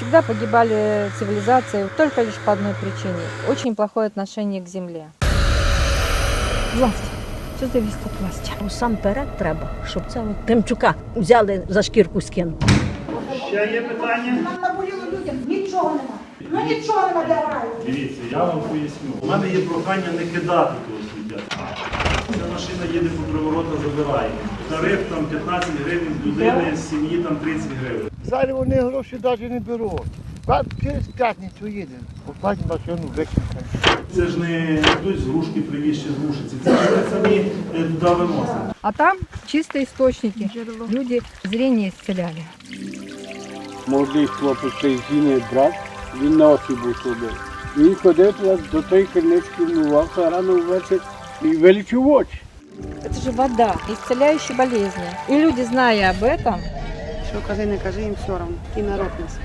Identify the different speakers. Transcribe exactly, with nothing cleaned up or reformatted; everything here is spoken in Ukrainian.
Speaker 1: Всегда погибали цивилизации только лишь по одной причине. Очень плохое отношение к земле. Власть. Все зависит от власти.
Speaker 2: Усамперед треба, щоб це от Тимчука взяли за шкірку скинули.
Speaker 3: Ще є питання?
Speaker 4: Нам наболіло людям, нічого нема. Ну нічого нема для раю.
Speaker 3: Дивіться, я вам поясню. У мене є прохання не кидати того сміття. Ця машина їде по приворота, забирає. Тариф там п'ятнадцять гривень з людини, з сім'ї там тридцять гривень.
Speaker 5: Зараз вони гроші навіть не беруть. Через п'ятницю їде. Оплатить машину, викинуть.
Speaker 3: Це ж не хтось з грушки привіз чи з Рушиці. Це ж ми самі е, туди виносимо.
Speaker 1: А там чистые источники. Люди зрение исцеляли.
Speaker 6: Молодий хлопець цей зіний брат, він на очі був слабий. Він ходив до тої криниці, вмивався рано ввечері і вилічив очі.
Speaker 1: Это же вода, исцеляющая болезни. И люди, зная об этом,
Speaker 7: Що кажи, не кажи, їм все одно. І народ нас.